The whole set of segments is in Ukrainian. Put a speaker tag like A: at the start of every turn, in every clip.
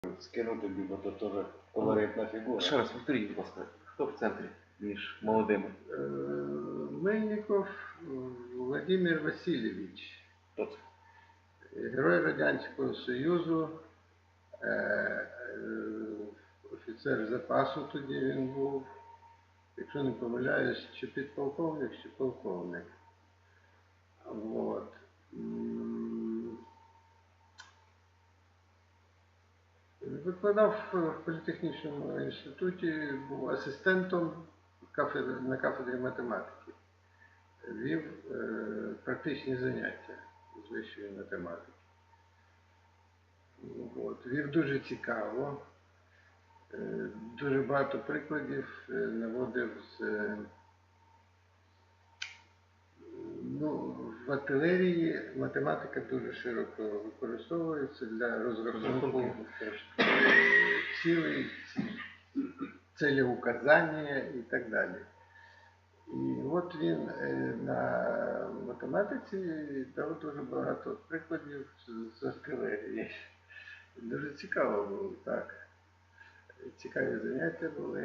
A: скину тобі, бо то теж колоритна фігура.
B: Ще раз повторіть, будь ласка, хто в центрі між молодими?
C: Мельников Владимир Васильович,
B: Хто це?
C: герой Радянського Союзу, офіцер запасу тоді він був, якщо не помиляюсь, чи підполковник, чи полковник. От. Викладав в політехнічному інституті, був асистентом на кафедрі математики. Вів практичні заняття з вищої математики. От. Вів дуже цікаво, дуже багато прикладів наводив з... В артилерії математика дуже широко використовується для розрахунку цілей, целеуказання і так далі. І от він на математиці дав дуже багато прикладів з артилерії. Дуже цікаво було, так. Цікаві заняття були.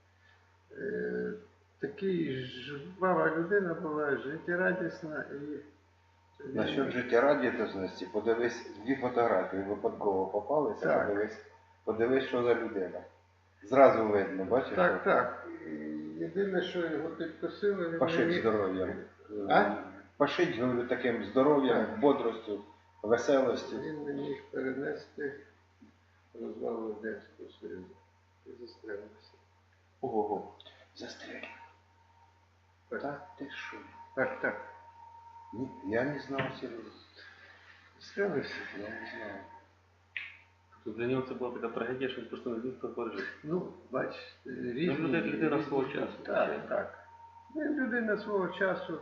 C: Такий жвава людина була, життєрадісна і...
A: Насчет життєрадісності, подивись, дві фотографії випадково попалися, подивись, що за людина. Зразу видно, бачиш?
C: Так, так. Єдине, що його підкосило...
A: Пашить здоров'ям. Пашить, говорю, таким здоров'ям, бодростю, веселостю.
C: Він не міг перенести розвал Радянського Союзу і застрелився.
A: Ого-го. Застрелив.
C: Так,
A: ти що?
C: Так, так.
A: Ні, я не знав серйозно.
C: Застрелився?
A: Я не знав.
B: Тобто для нього це була така трагедія, що він просто не зміг пережити.
C: Ну, бач, різні...
B: Він людина свого часу.
C: Так, так. Він людина свого часу.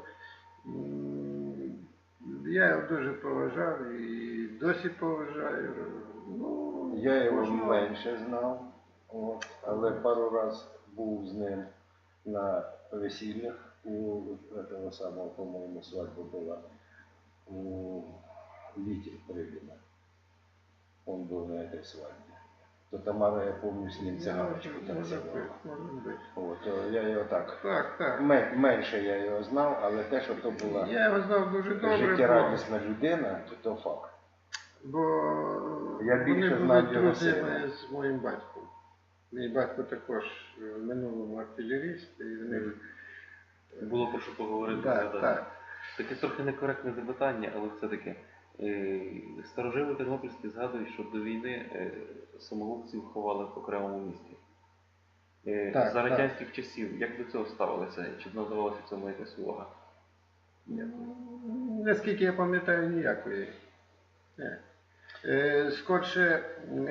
C: Я його дуже поважав і досі поважаю. Ну,
A: я його менше знав, але пару разів був з ним на весіллях у этого самого, по-моєму, свадьба була у Віті Прибіна. Он был на этой свадьбе. То Тамара, я помню, с ним цигарочку танцевала. Вот, я його так. Менше я його знав, але те, що то була життєрадісна людина, то факт.
C: Бо
A: я більше знав його сина.
C: З моїм батьком. Мій батько також в минулому артилеріст, і в них...
B: Було про що поговорити.
C: Так.
B: Таке трохи некоректне запитання, але все-таки. Старожили тернопільські згадують, що до війни самогубців ховали в окремому місті. За радянських часів, як до цього ставилися? Чи надавалася цьому якась увага?
C: Наскільки я пам'ятаю, ніякої. Скорше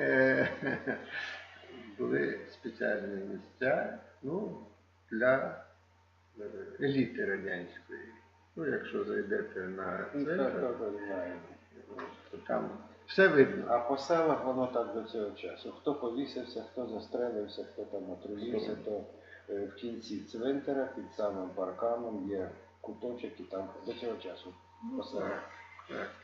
C: були спеціальні місця для еліти радянської. Ну, якщо зайдете на центр, то там все видно.
A: А по селах воно так до цього часу. Хто повісився, хто застрелився, хто там отруївся, то в кінці цвинтара під самим парканом є куточок і там до цього часу по селах.
C: Так.